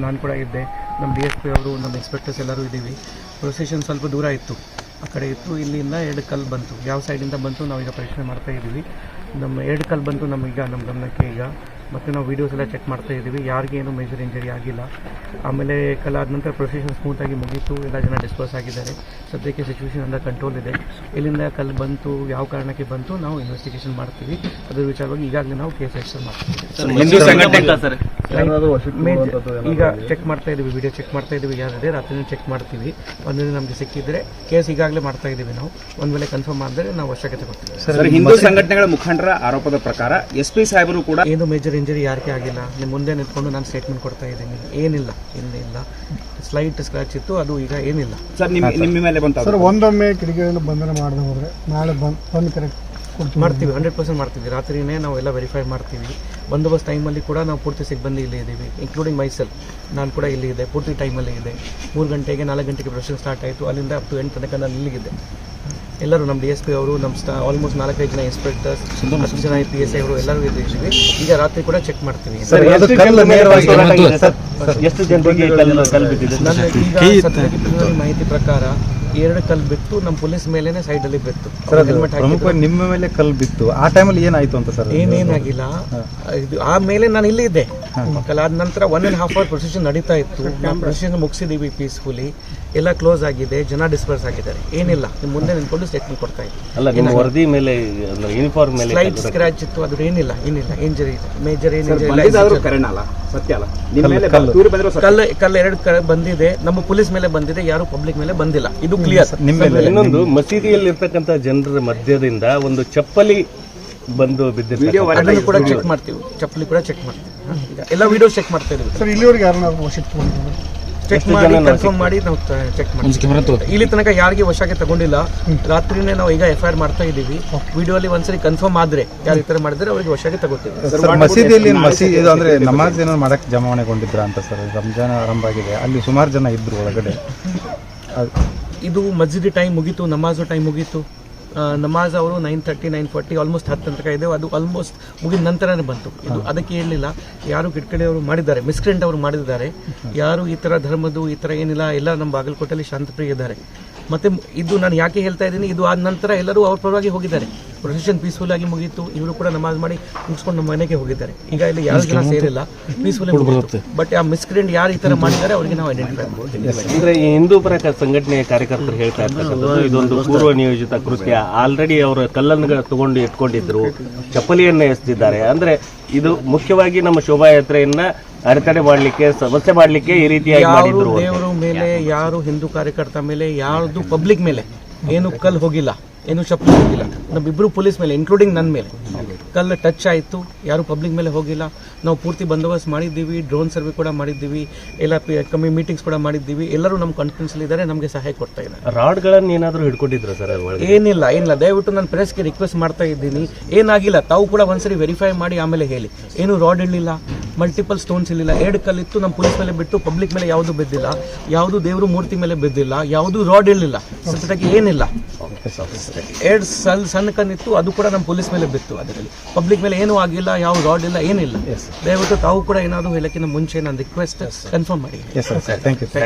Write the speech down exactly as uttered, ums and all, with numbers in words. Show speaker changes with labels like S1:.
S1: ನಾನು ಕೂಡ ಇದ್ದೆ, ನಮ್ಮ ಡಿ ಎಸ್ ಪಿ ಅವರು, ನಮ್ಮ ಇನ್ಸ್ಪೆಕ್ಟರ್ಸ್ ಎಲ್ಲರೂ ಇದ್ದೀವಿ. ಪ್ರೊಸೆಷನ್ ಸ್ವಲ್ಪ ದೂರ ಇತ್ತು, ಆ ಕಡೆ ಇತ್ತು. ಇಲ್ಲಿಂದ ಎರಡು ಕಲ್ಲು ಬಂತು, ಯಾವ ಸೈಡಿಂದ ಬಂತು ನಾವೀಗ ಪರೀಕ್ಷೆ ಮಾಡ್ತಾ ಇದ್ದೀವಿ. ನಮ್ಮ ಎರಡು ಕಲ್ಲು ಬಂತು ನಮಗೀಗ ನಮ್ಮ ಗಮನಕ್ಕೆ ಈಗ. ಮತ್ತು ನಾವು ವೀಡಿಯೋಸ್ ಎಲ್ಲ ಚೆಕ್ ಮಾಡ್ತಾ ಇದ್ದೀವಿ, ಯಾರಿಗೇನು ಮೇಜರ್ ಇಂಜರಿ ಆಗಿಲ್ಲ. ಆಮೇಲೆ ಕಲ್ಲಾದ ನಂತರ ಪ್ರೊಸೆಷನ್ ಸ್ಮೂತಾಗಿ ಮುಗೀತು, ಎಲ್ಲ ಜನ ಡಿಸ್ಪರ್ಸ್ ಆಗಿದ್ದಾರೆ. ಸದ್ಯಕ್ಕೆ ಸಿಚುವೇಶನ್ ಅಂಡರ್ ಕಂಟ್ರೋಲ್ ಇದೆ. ಎಲ್ಲಿಂದ ಕಲ್ಲು ಬಂತು, ಯಾವ ಕಾರಣಕ್ಕೆ ಬಂತು, ನಾವು ಇನ್ವೆಸ್ಟಿಗೇಷನ್ ಮಾಡ್ತೀವಿ. ಅದರ ವಿಚಾರವಾಗಿ ಈಗಾಗಲೇ ನಾವು ಕೇಸ್ ರಿಜಿಸ್ಟರ್ ಮಾಡ್ತೀವಿ. ಈಗ ಚೆಕ್ ಮಾಡ್ತಾ ಇದ್ದೀವಿ, ವಿಡಿಯೋ ಚೆಕ್ ಮಾಡ್ತಾ ಇದ್ದೀವಿ, ಯಾರಿದೆ ರಾತ್ರಿ ಚೆಕ್ ಮಾಡ್ತೀವಿ. ಒಂದೇ ನಮಗೆ ಸಿಕ್ಕಿದ್ರೆ ಕೇಸ್ ಈಗಾಗಲೇ ಮಾಡ್ತಾ ಇದ್ದೀವಿ ನಾವು. ಒಂದು ವೇಳೆ ಕನ್ಫರ್ಮ್ ಆದರೆ ನಾವು ಅವಶ್ಯಕತೆ ಕೊಡ್ತೀವಿ.
S2: ಹಿಂದೂ ಸಂಘಟನೆಗಳ ಮುಖಂಡರ ಆರೋಪದ ಪ್ರಕಾರ ಎಸ್ ಪಿ ಸಾಹೇಬರು ಕೂಡ
S1: ಏನು ಮೇಜರ್ ಇಂಜರಿ ಯಾರಿಗೆ ಆಗಿಲ್ಲ. ನಿಮ್ಮ ಮುಂದೆ ನಿಂತ್ಕೊಂಡು ನಾನು ಸ್ಟೇಟ್ಮೆಂಟ್ ಕೊಡ್ತಾ ಇದ್ದೀನಿ, ಏನಿಲ್ಲ, ಏನಿಲ್ಲ. ಸ್ಲೈಟ್ ಸ್ಕ್ರಾಚ್ ಇತ್ತು, ಅದು ಈಗ ಏನಿಲ್ಲ.
S2: ಸರ್ ನಿಮ್ಮ ಮೇಲೆ ಬಂತ
S3: ಸರ್ ಒಂದೊಮ್ಮೆ ಕಿಡಿಗೇಡಿಗಳು ಬಂಧನ ಮಾಡದೆ ಹೋದರೆ ನಾಳೆ ಬಂದು ಬಂದು ಕರೆಕ್ಟ್
S1: ಮಾಡ್ತೀವಿ, ಹಂಡ್ರೆಡ್ ಪರ್ಸೆಂಟ್ ಮಾಡ್ತೀವಿ. ರಾತ್ರಿನೇ ನಾವು ಎಲ್ಲ ವೆರಿಫೈ ಮಾಡ್ತೀವಿ. ಬಂದೋಬಸ್ತ್ ಟೈಮಲ್ಲಿ ಕೂಡ ನಾವು ಪೂರ್ತಿ ಸಿಬ್ಬಂದಿ ಇಲ್ಲಿ ಇದ್ದೀವಿ, ಇನ್ಕ್ಲೂಡಿಂಗ್ ಮೈಸೆಲ್. ನಾನು ಕೂಡ ಇಲ್ಲಿ ಇದೆ, ಪೂರ್ತಿ ಟೈಮಲ್ಲಿ ಇದೆ. ಮೂರು ಗಂಟೆಗೆ ನಾಲ್ಕು ಗಂಟೆಗೆ ಪ್ರೊಸೆಷನ್ ಸ್ಟಾರ್ಟ್ ಆಯಿತು, ಅಲ್ಲಿಂದ ಅಪ್ ಟು ಎಂಟು ತನಕ ನಾನು ಇಲ್ಲಿಗಿದ್ದೆ. ಎಲ್ಲರೂ ನಮ್ಮ ಡಿ ಎಸ್ ಪಿ ಅವರು, ನಮ್ಮ ಸ್ಟಾ ಆಲ್ಮೋಸ್ಟ್ ನಾಲ್ಕೈದು ಜನ ಇನ್ಸ್ಪೆಕ್ಟರ್ಸ್, ಹತ್ತು ಜನ ಪಿ ಎಸ್ ಐ ಅವರು ಎಲ್ಲರೂ ಇದ್ದೀವಿ. ಈಗ ರಾತ್ರಿ ಕೂಡ ಚೆಕ್ ಮಾಡ್ತೀವಿ. ನನ್ನ ಮಾಹಿತಿ ಪ್ರಕಾರ ಎರಡು ಕಲ್ಲು ಬಿತ್ತು, ನಮ್ಮ ಪೊಲೀಸ್ ಮೇಲೇನೆ ಸೈಡಲ್ಲಿ ಬಿತ್ತು.
S4: ನಿಮ್ಮ ಮೇಲೆ ಕಲ್ಲು ಬಿತ್ತು, ಆ ಟೈಮಲ್ಲಿ ಏನಾಯ್ತು ಅಂತ ಸರ್?
S1: ಏನೇನಾಗಿಲ್ಲ, ಇದು ಆಮೇಲೆ ನಾನು ಇಲ್ಲಿ ಇದ್ದೆ. ಕಲಾದ ನಂತರ one and half hour procession ನಡೀತಾ ಇತ್ತು. ನಾವು ಪ್ರೊಸೆಷನ್ ಮುಗಿಸಿದ್ದೀವಿ ಪೀಸ್ಫುಲಿ, ಎಲ್ಲ ಕ್ಲೋಸ್ ಆಗಿದೆ, ಜನ ಡಿಸ್ಪರ್ಸ್ ಆಗಿದ್ದಾರೆ. ಏನಿಲ್ಲ, ನಿಮ್ಮ ಮುಂದೆ ನಿಂತ್ಕೊಂಡು ಸ್ಟೇಟ್ಮೆಂಟ್ ಕೊಡ್ತಾ ಇತ್ತು.
S5: ವರದಿ ಮೇಲೆ ಯೂನಿಫಾರ್ಮ್ ಮೇಲೆ
S1: ಸ್ಲೈಟ್ ಸ್ಕ್ರಾಚ್ ಇತ್ತು, ಅದು ಏನಿಲ್ಲ, ಏನಿಲ್ಲ ಇಂಜರಿ ಮೇಜರ್ ಏನಿಲ್ಲ. ಕಲ್ಲು ಕಲ್ಲು ಎರಡು ಕಡೆ ಬಂದಿದೆ, ನಮ್ಮ ಪೊಲೀಸ್ ಮೇಲೆ ಬಂದಿದೆ, ಯಾರು ಪಬ್ಲಿಕ್ ಮೇಲೆ ಬಂದಿಲ್ಲ. ಇದು ಕ್ಲಿಯರ್.
S5: ಇನ್ನೊಂದು, ಮಸೀದಿಯಲ್ಲಿ ಇರ್ತಕ್ಕಂಥ ಜನರ ಮಧ್ಯದಿಂದ ಒಂದು ಚಪ್ಪಲಿ ಬಂದು ಬಿದ್ದಿದೆ,
S1: ಅದನ್ನು ಕೂಡ ಚೆಕ್ ಮಾಡ್ತೀವಿ. ಚಪ್ಪಲಿ ಕೂಡ ಚೆಕ್ ಮಾಡ್ತೀವಿ. ಎಲ್ಲ ವಿಡಿಯೋ ಚೆಕ್ ಮಾಡ್ತಾ ಇದ್ದೀವಿ
S3: ಸರ್. ಇಲ್ಲಿವರೆಗೆ ಯಾರು ನಾವು ವಶಕ್ಕೆ
S1: ಚೆಕ್ ಮಾಡಿ ಕನ್ಫರ್ಮ್ ಮಾಡಿ ನಾವು ಚೆಕ್ ಮಾಡ್ತೀವಿ. ಇಲ್ಲಿ ತನಕ ಯಾರಿಗೆ ವಶಕ್ಕೆ ತಗೊಂಡಿಲ್ಲ. ರಾತ್ರಿನೇ ನಾವು ಈಗ ಎಫ್ ಐ ಆರ್ ಮಾಡ್ತಾ ಇದ್ದೀವಿ. ವಿಡಿಯೋ ಅಲ್ಲಿ ಒಂದ್ಸರಿ ಕನ್ಫರ್ಮ್ ಆದ್ರೆ ಯಾರು ಈ ತರ ಮಾಡಿದ್ರೆ ಅವರಿಗೆ ವಶಕ್ಕೆ ತಗೋತೀವಿ.
S4: ಮಸೀದಿಯಲ್ಲಿ ಮಸೀದಿ ಅಂದ್ರೆ ನಮಾಜ್ ಏನೋ ಮಾಡಕ್ ಜಮಾವಣೆಗೊಂಡಿದ್ರ ಅಂತ ಸರ್? ರಂಜಾನ್ ಆರಂಭ ಆಗಿದೆ, ಅಲ್ಲಿ ಸುಮಾರು ಜನ ಇದ್ರು ಒಳಗಡೆ.
S1: ಇದು ಮಸ್ಜಿದ್ ಟೈಮ್ ಮುಗೀತು, ನಮಾಜು ಟೈಮ್ ಮುಗೀತು. ನಮಾಜ್ ಅವರು nine thirty nine forty almost ಹತ್ತು ತನಕ ಇದೆ. ಅದು ಆಲ್ಮೋಸ್ಟ್ ಮುಗಿದ ನಂತರನೇ ಬಂತು. ಇದು ಅದಕ್ಕೆ ಹೇಳಲಿಲ್ಲ, ಯಾರು ಕಿಟ್ಕಡೆಯವರು ಮಾಡಿದ್ದಾರೆ, ಮಿಸ್ಕ್ರೆಂಟ್ ಅವರು ಮಾಡಿದ್ದಾರೆ. ಯಾರು ಈ ಥರ ಧರ್ಮದ್ದು ಈ ಥರ ಏನಿಲ್ಲ, ಎಲ್ಲ ನಮ್ಮ ಬಾಗಲಕೋಟೆಯಲ್ಲಿ ಶಾಂತಪ್ರಿಯ ಇದ್ದಾರೆ. ಮತ್ತೆ ಇದು ನಾನು ಯಾಕೆ ಹೇಳ್ತಾ ಇದ್ದೀನಿ, ಇದು ಆದ ನಂತರ ಎಲ್ಲರೂ ಅವ್ರ ಪರವಾಗಿ ಹೋಗಿದ್ದಾರೆ. ಪ್ರೊಸೆಷನ್ ಪೀಸ್ಫುಲ್ ಆಗಿ ಮುಗೀತು. ಇವರು ಕೂಡ ನಮಾಜ್ ಮಾಡಿ ಮುಗಿಸ್ಕೊಂಡು ನಮ್ಮ ಮನೆಗೆ ಹೋಗಿದ್ದಾರೆ. ಈಗ ಇಲ್ಲಿ ಯಾರು ಜನ ಸೇರಿಲ್ಲ, ಪೀಸ್ಫುಲ್ ಮುಗಿತು. ಬಟ್ ಆ ಮಿಸ್ಕ್ರೆಂಟ್ ಯಾರು ಈ ತರ ಮಾಡಿದ್ದಾರೆ ಅವರಿಗೆ ನಾವು ಐಡೆಂಟಿಫೈ ಮಾಡ್ತೀವಿ.
S5: ಅಂದ್ರೆ ಈ ಹಿಂದೂ ಪರ ಸಂಘಟನೆಯ ಕಾರ್ಯಕರ್ತರು ಹೇಳ್ತಾ ಇರ್ತಕ್ಕಂಥದ್ದು ಇದೊಂದು ಪೂರ್ವ ನಿಯೋಜಿತ ಕೃತ್ಯ. ಆಲ್ರೆಡಿ ಅವರು ಕಲ್ಲನ್ನು ತಗೊಂಡು ಇಟ್ಕೊಂಡಿದ್ರು, ಚಪ್ಪಲಿಯನ್ನ ಎಸೆದಿದ್ದಾರೆ. ಅಂದ್ರೆ ಇದು ಮುಖ್ಯವಾಗಿ ನಮ್ಮ ಶೋಭಾಯಾತ್ರೆಯನ್ನ ಅಡೆತಡೆ ಮಾಡಲಿಕ್ಕೆ, ಸಮಸ್ಯೆ ಮಾಡಲಿಕ್ಕೆ ಈ ರೀತಿಯಾಗಿ ಮಾಡಿದ್ರು.
S1: ದೇವರ ಮೇಲೆ, ಯಾರು ಹಿಂದೂ ಕಾರ್ಯಕರ್ತ ಮೇಲೆ, ಯಾರ್ದು ಪಬ್ಲಿಕ್ ಮೇಲೆ ಏನು ಕಲ್ಲು ಹೋಗಿಲ್ಲ, ಏನು ಚಪ್ಪಲಿ ಹೋಗಿಲ್ಲ. ನಮ್ಮಿಬ್ರು ಪೊಲೀಸ್ ಮೇಲೆ, ಇನ್ಕ್ಲೂಡಿಂಗ್ ನನ್ನ ಮೇಲೆ ಕಲ್ಲು ಟಚ್ ಆಯಿತು. ಯಾರು ಪಬ್ಲಿಕ್ ಮೇಲೆ ಹೋಗಿಲ್ಲ. ನಾವು ಪೂರ್ತಿ ಬಂದೋಬಸ್ತ್ ಮಾಡಿದ್ದೀವಿ, ಡ್ರೋನ್ ಸರ್ವೆ ಕೂಡ ಮಾಡಿದ್ದೀವಿ, ಎಲ್ಲ ಕಮ್ಮಿ ಮೀಟಿಂಗ್ಸ್ ಕೂಡ ಮಾಡಿದ್ದೀವಿ. ಎಲ್ಲರೂ ನಮ್ಮ ಕಾನ್ಫಿಡೆನ್ಸ್ ಇದ್ದಾರೆ, ನಮಗೆ ಸಹಾಯ ಕೊಡ್ತಾ ಇದ್ದಾರೆ.
S5: ರಾಡ್ಗಳನ್ನು ಏನಾದರೂ ಹಿಡ್ಕೊಂಡಿದ್ರು ಸರ್?
S1: ಏನಿಲ್ಲ, ಏನಿಲ್ಲ. ದಯವಿಟ್ಟು ನಾನು ಪ್ರೆಸ್ಗೆ ರಿಕ್ವೆಸ್ಟ್ ಮಾಡ್ತಾ ಇದ್ದೀನಿ, ಏನಾಗಿಲ್ಲ. ತಾವು ಕೂಡ ಒಂದ್ಸರಿ ವೆರಿಫೈ ಮಾಡಿ ಆಮೇಲೆ ಹೇಳಿ. ಏನು ರಾಡ್ ಇರಲಿಲ್ಲ, ಮಲ್ಟಿಪಲ್ ಸ್ಟೋನ್ಸ್ ಇರಲಿಲ್ಲ, ಎರಡು ಕಲ್ಲಿತ್ತು. ನಮ್ಮ ಪೊಲೀಸ್ ಮೇಲೆ ಬಿಟ್ಟು ಪಬ್ಲಿಕ್ ಮೇಲೆ ಯಾವುದು ಬಿದ್ದಿಲ್ಲ, ಯಾವುದು ದೇವರು ಮೂರ್ತಿ ಮೇಲೆ ಬಿದ್ದಿಲ್ಲ, ಯಾವುದು ರಾಡ್ ಇರಲಿಲ್ಲ. ಸದ್ಯಕ್ಕೆ ಏನಿಲ್ಲ. ಎರಡು ಸಲ್ ಸಣ್ಣ ಕಣ್ಣಿತ್ತು, ಅದು ಕೂಡ ನಮ್ಮ ಪೊಲೀಸ್ ಮೇಲೆ ಬಿತ್ತು. ಅದರಲ್ಲಿ ಪಬ್ಲಿಕ್ ಮೇಲೆ ಏನೂ ಆಗಿಲ್ಲ, ಯಾವ ರಾಡ್ ಇಲ್ಲ, ಏನಿಲ್ಲ. ದಯವಿಟ್ಟು ತಾವು ಕೂಡ ಏನಾದರೂ ಹೇಳಕ್ಕಿಂತ ಮುಂಚೆ ನಾನು ರಿಕ್ವೆಸ್ಟ್ ಕನ್ಫರ್ಮ್ ಮಾಡಿ.